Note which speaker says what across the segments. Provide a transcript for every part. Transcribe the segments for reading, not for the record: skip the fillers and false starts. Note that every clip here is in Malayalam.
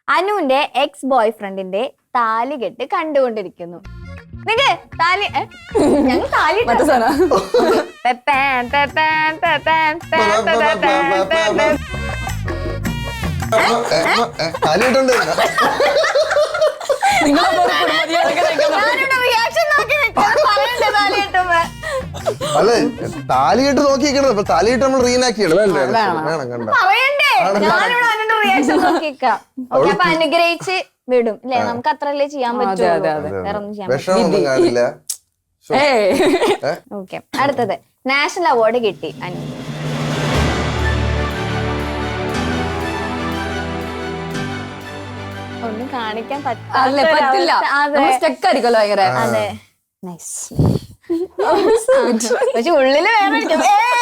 Speaker 1: അനുവിന്റെ എക്സ് ബോയ് ഫ്രണ്ടിന്റെ താലികെട്ട് കണ്ടുകൊണ്ടിരിക്കുന്നു. താലി ഞങ്ങൾ താലി
Speaker 2: അല്ലെ താലികെട്ട് നോക്കിയിരിക്കണത് താലികെട്ട് നമ്മൾ റീനാക്കി
Speaker 1: അനുഗ്രഹിച്ച് വിടും അല്ലെ, നമുക്ക് അത്രല്ലേ ചെയ്യാൻ പറ്റുള്ളൂ, വേറെ ഒന്നും ചെയ്യാൻ. ഓക്കെ, അടുത്തത് നാഷണൽ അവാർഡ് കിട്ടി അനു. ഒന്നും കാണിക്കാൻ
Speaker 3: പറ്റില്ല,
Speaker 1: അതെ. പക്ഷെ ഉള്ളില് വേറെ.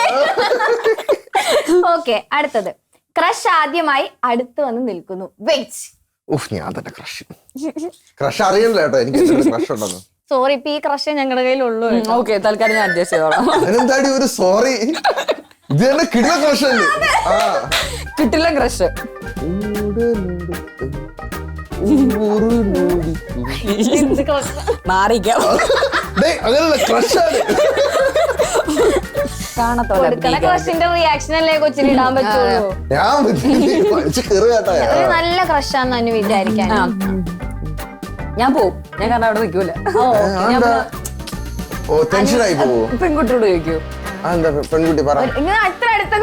Speaker 1: ഓക്കെ, അടുത്തത് ക്രഷ് ആദ്യമായി അടുത്ത് വന്ന് നിൽക്കുന്നു. വെയിറ്റ്,
Speaker 2: ഞാൻ തന്നെ ക്രഷ് അറിയണല്ലോ കേട്ടോ, എനിക്ക് ക്രഷ് ഉണ്ടെന്ന്.
Speaker 1: സോറി, ഇപ്പൊ ഈ ക്രഷ് ഞങ്ങളുടെ കയ്യിലുള്ളൂ.
Speaker 3: ഓക്കെ, തൽക്കാലം ഞാൻ അഡ്ജസ്റ്റ് ചെയ്തോളാം.
Speaker 2: അതിനെന്താടി ഒരു സോറി, ഇത് തന്നെ കിടില ക്രഷ് അല്ലേ?
Speaker 3: കിട്ടില്ല ക്രഷ്. മാറിക്കാം,
Speaker 2: അങ്ങനെയല്ല ക്രഷാണ്.
Speaker 1: ക്രഷിന്റെ റിയാക്ഷൻ അല്ലേ കൊച്ചിന് ഇടാൻ പറ്റുള്ളൂ. ഒരു നല്ല ക്രഷാന്ന് അനു വിചാരിക്കാൻ.
Speaker 3: ഞാൻ പോവും, ഞാൻ കാരണം അവിടെ നിൽക്കൂല.
Speaker 2: ടെൻഷനായി പോവോ?
Speaker 3: പെൺകുട്ടിയോട് ചോദിക്കൂ,
Speaker 2: പെൺകുട്ടി പറ.
Speaker 1: അത്ര അടുത്തൊക്കെ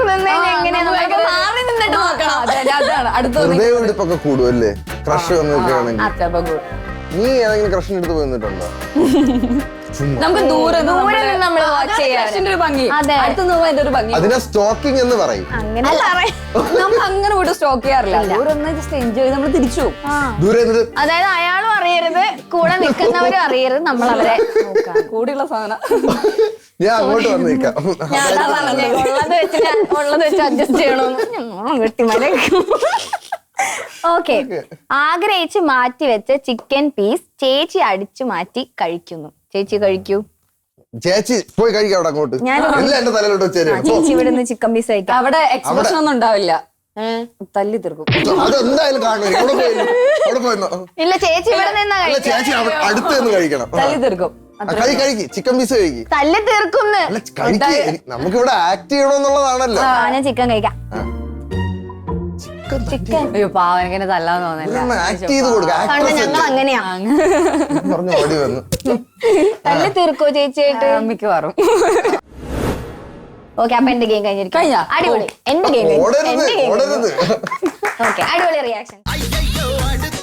Speaker 2: ഹൃദയമിടിപ്പൊക്കെ കൂടുമല്ലേ ക്രഷ് വന്നിരിക്കുകയാണെങ്കിൽ? നീ ഏതെങ്കിലും ക്രഷിന്റെ അടുത്ത് പോയി നിന്നിട്ടുണ്ടോ?
Speaker 3: നമുക്ക് ദൂരെ
Speaker 1: നമ്മൾ വാച്ച് ചെയ്യാൻ
Speaker 3: ഒരു ഭംഗി, അടുത്തുനിന്ന് പോകാൻ ഒരു ഭംഗി.
Speaker 2: അതിനെ സ്റ്റോക്കിംഗ് എന്ന് പറയും.
Speaker 3: നമ്മൾ അങ്ങനെ പോയിട്ട് സ്റ്റോക്ക് ചെയ്യാറില്ല, ദൂരെ ഒന്ന് ജസ്റ്റ് എൻജോയ് ചെയ്ത് നമ്മൾ തിരിച്ചു പോകും.
Speaker 2: ദൂരെ
Speaker 1: അതായത് അയാളും അറിയരുത്, കൂടെ നിൽക്കുന്നവരും അറിയരുത്, നമ്മൾ അവരെ
Speaker 3: കൂടെയുള്ള സാധനം.
Speaker 2: ഞാൻ അങ്ങോട്ട് വന്നേക്കാം,
Speaker 1: ഉള്ളത് വെച്ച് അഡ്ജസ്റ്റ് ചെയ്യണമെന്ന് കെട്ടിമല. ഓക്കെ, ആഗ്രഹിച്ച് മാറ്റി വെച്ച ചിക്കൻ പീസ് ചേച്ചി അടിച്ചു മാറ്റി കഴിക്കുന്നു. ചേച്ചി കഴിക്കൂ.
Speaker 2: ചേച്ചി പോയി കഴിക്കാം അവിടെ അങ്ങോട്ട്. എല്ലാം എന്റെ തലയിലോട്ട് വെച്ചേരാ.
Speaker 1: ചേച്ചി ഇവിടെ നിന്ന് ചിക്കൻ പീസ് കഴിക്കാം.
Speaker 3: അവിടെ എക്സ്പ്രഷൻ ഒന്നും ഉണ്ടാവില്ല, തല്ലി തീർക്കും.
Speaker 2: അതെന്തായാലും കാണും.
Speaker 1: ഇല്ല, ചേച്ചി ഇവിടെ നിന്നാ
Speaker 2: ചേച്ചി അടുത്ത് നിന്ന് കഴിക്കണം.
Speaker 3: തല്ലി തീർക്കും.
Speaker 2: കഴിക്ക് ചിക്കൻ പീസ് കഴിക്ക്.
Speaker 1: തല്ലി തീർക്കും.
Speaker 2: നമുക്ക് ഇവിടെ ആക്ട് ചെയ്യണമെന്നുള്ളതാണല്ലോ.
Speaker 1: ഞാൻ ചിക്കൻ കഴിക്കാം. ചിക്കൻ
Speaker 3: അയ്യോ പാവം, എനിക്കെന്നെ തല്ലാന്ന് തോന്നില്ല.
Speaker 2: ആക്ട് ചെയ്ത് കൊടുക്കാം.
Speaker 1: ഞങ്ങൾ അങ്ങനെയാ
Speaker 2: ഓടി വന്നു.
Speaker 1: തല്ലി തീർക്കോ ചേച്ചിയായിട്ട്?
Speaker 3: മിക്കവാറും.
Speaker 1: ഓക്കെ, അപ്പൊ എന്റെ ഗെയിം കഴിഞ്ഞിരിക്കും. അടിപൊളി, എന്റെ ഗെയിം. ഓക്കെ, അടിപൊളി റിയാക്ഷൻ.